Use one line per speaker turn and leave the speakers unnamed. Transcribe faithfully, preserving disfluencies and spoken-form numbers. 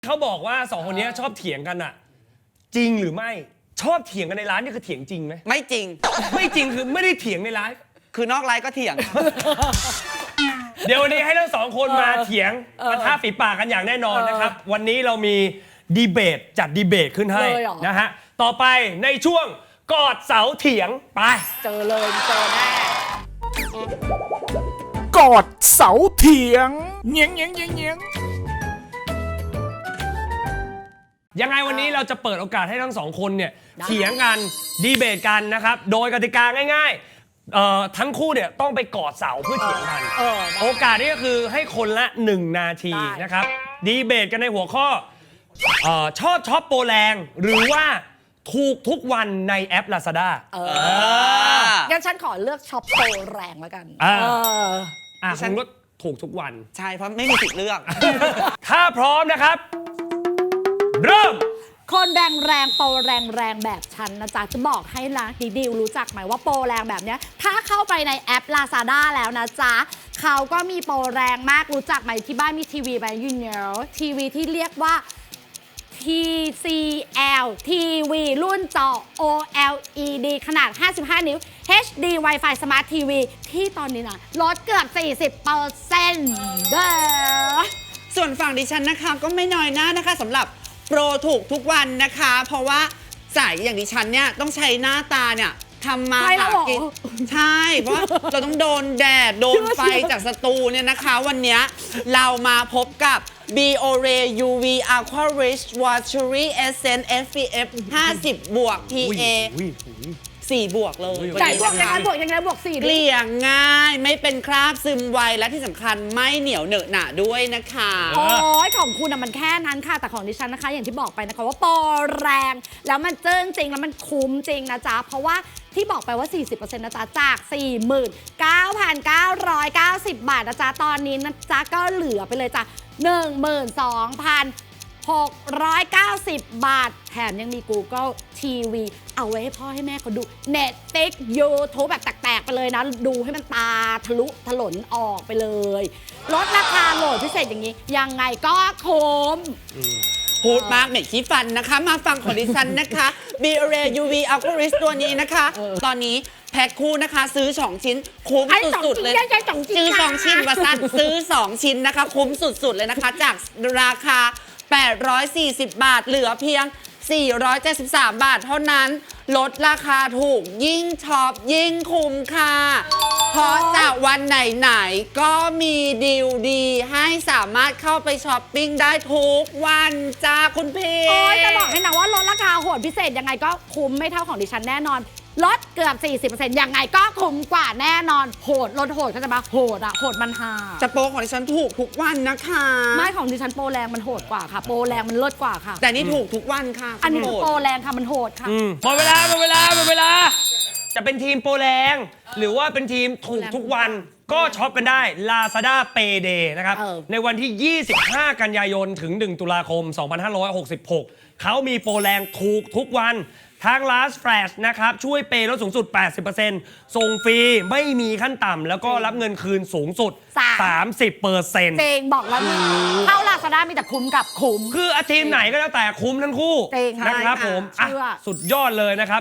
เขาบอกว่าสองคนนี้ชอบเถียงกันอะจริงหรือไม่ชอบเถียงกันในร้านนี่คือเถียงจริงไหม
ไม่จริง
ไม่จริงคือไม่ได้เถียงในไลฟ์
คือนอกไลฟ์ก็เถียง
เดี๋ยววันนี้ให้ทั้งสองคนมาเถียงปะทะฝีปากกันอย่างแน่นอนนะครับวันนี้เรามีดีเบตจัดดีเบตขึ้นให้นะฮะต่อไปในช่วงกอดเสาเถียงไป
เจอเลยเจอแน่
กอดเสาเถียงเงียงเงียงเงียงเงียง
ยังไงวันนี้เราจะเปิดโอกาสให้ทั้งสองคนเนี่ยเถียงกันดีเบตกันนะครับโดยกติกาง่ายๆเอ่อทั้งคู่เนี่ยต้องไปกอดเสาเพื่อเถียงกันโอกาสนี้ก็คือให้คนละหนึ่งนาทีนะครับดีเบตกันในหัวข้อเอ่อชอบช็อปโปรแรงหรือว่าถูกทุกวันในแอป Lazada
เอองั้นฉันขอเลือกช็อปโปรแรงแล้วกัน
เอออ่ะฉันก็ถูกทุกวัน
ใช่เพราะไม่มีสิทธิ์เลือก
ถ้าพร้อมนะครับเริ่ม
คนแรงแรงโปรแรงแรงแบบฉันนะจ๊ะจะบอกให้นะดิดิวรู้จักไหมว่าโปรแรงแบบเนี้ยถ้าเข้าไปในแอป Lazada แล้วนะจ๊ะเขาก็มีโปรแรงมากรู้จักไหมที่บ้านมีทีวีไหมยูเนลทีวีที่เรียกว่า ที ซี แอล ทีวี รุ่นจอ โอ แอล อี ดี ขนาดห้าสิบห้านิ้ว เอช ดี Wi-Fi Smart ที วี ที่ตอนนี้นะลดเกือบ สี่สิบเปอร์เซ็นต์ เด้อ
ส่วนฝั่งดิฉันนะคะก็ไม่น้อยหน้านะคะสำหรับโปรถูกทุกวันนะคะเพราะว่าสายอย่างดิฉันเนี่ยต้องใช้หน้าตาเนี่ยทำมาหากินใช่เพราะเราต้องโดนแดดโดนไฟจากสตูเนี่ยนะคะวันนี้เรามาพบกับ Biore ยู วี Aqua Rich Watery Essence เอฟ พี เอฟ ห้าสิบบวก พี เอ สี่บวกเลย
ใช่บวกยังไงบวกยังไงบวกสี่
เกลี่ยง่ายไม่เป็นคราบซึมไวและที่สำคัญไม่เหนียวเหนอะหนะด้วยนะคะ
โอ้ยของคุณอะมันแค่นั้นค่ะแต่ของดิฉันนะคะอย่างที่บอกไปนะคะว่าโปรแรงแล้วมันเจิ้งจริงแล้วมันคุ้มจริงนะจ๊ะเพราะว่าที่บอกไปว่า สี่สิบเปอร์เซ็นต์ นะจ๊ะจาก สี่หมื่นเก้าพันเก้าร้อยเก้าสิบ บาทนะจ๊ะตอนนี้นะจ๊ะก็เหลือไปเลยจ้ะ หนึ่งหมื่นสองพันหกร้อยเก้าสิบ บาทแถมยังมี Google ที วี เอาไว้ให้พ่อให้แม่เขาดู Netflix YouTube แบบแตกๆไปเลยนะดูให้มันตาทะลุถลนออกไปเลยลดราคาโหลดพิเศษอย่างนี้ยังไงก็คุ้ม
พูดมากเหม็นขี้ฟันนะคะมาฟังของดิฉันนะคะ Biore ยู วี Aqua Rich ตัวนี้นะคะตอนนี้แพ็คคู่นะคะซื้อสองชิ้นคุ้มสุดๆเลยซื้อสองชิ้นว่าสั้นซื้อสองชิ้นนะคะคุ้มสุดๆเลยนะคะจากราคาแปดร้อยสี่สิบบาทเหลือเพียงสี่ร้อยเจ็ดสิบสามบาทเท่านั้นลดราคาถูกยิ่งช็อปยิ่งคุ้มค่ะเพราะจากวันไหนๆก็มีดีลดีให้สามารถเข้าไปช้อปปิ้งได้ทุกวันจ้าคุณพี่
โอ้ยจะบอกให้นะว่าลดราคาโหดพิเศษยังไงก็คุ้มไม่เท่าของดิฉันแน่นอนลดเกือบ สี่สิบเปอร์เซ็นต์ ยังไงก็คุ้มกว่าแน่นอนโหดลดโหดก็จะมาโหดอะโหดมันหา
จะโปรของดิฉันถูกทุกวันนะคะ
ไม่ของดิฉันโปรแรงมันโหดกว่าค่ะโปรแรงมันเลิศกว่าค่ะ
แต่นี่ถูกทุกวันค่ะ
อันนี้โปรแรงค่ะมันโหดค่ะ
หมดเวลาหมดเวลาหมดเวลาจะเป็นทีมโปรแรงหรือว่าเป็นทีมถูกทุกวันก็ช็อปกันได้ Lazada Payday นะครับในวันที่ยี่สิบห้ากันยายนถึงหนึ่งตุลาคมสองพันห้าร้อยหกสิบหกเขามีโปรแรงถูกทุกวันทาง Last Flash นะครับช่วยเปย์ลดสูงสุด แปดสิบเปอร์เซ็นต์ ส่งฟรีไม่มีขั้นต่ำแล้วก็รับเงินคืนสูงสุด สามสิบเปอร์เซ็นต์
เจงบอกแล้วเข้า Lazada มีแต่คุ้มกับคุ้ม
คือทีมไหนก็แล้วแต่คุ้มทั้งคู่นะครับผมสุดยอดเลยนะครับ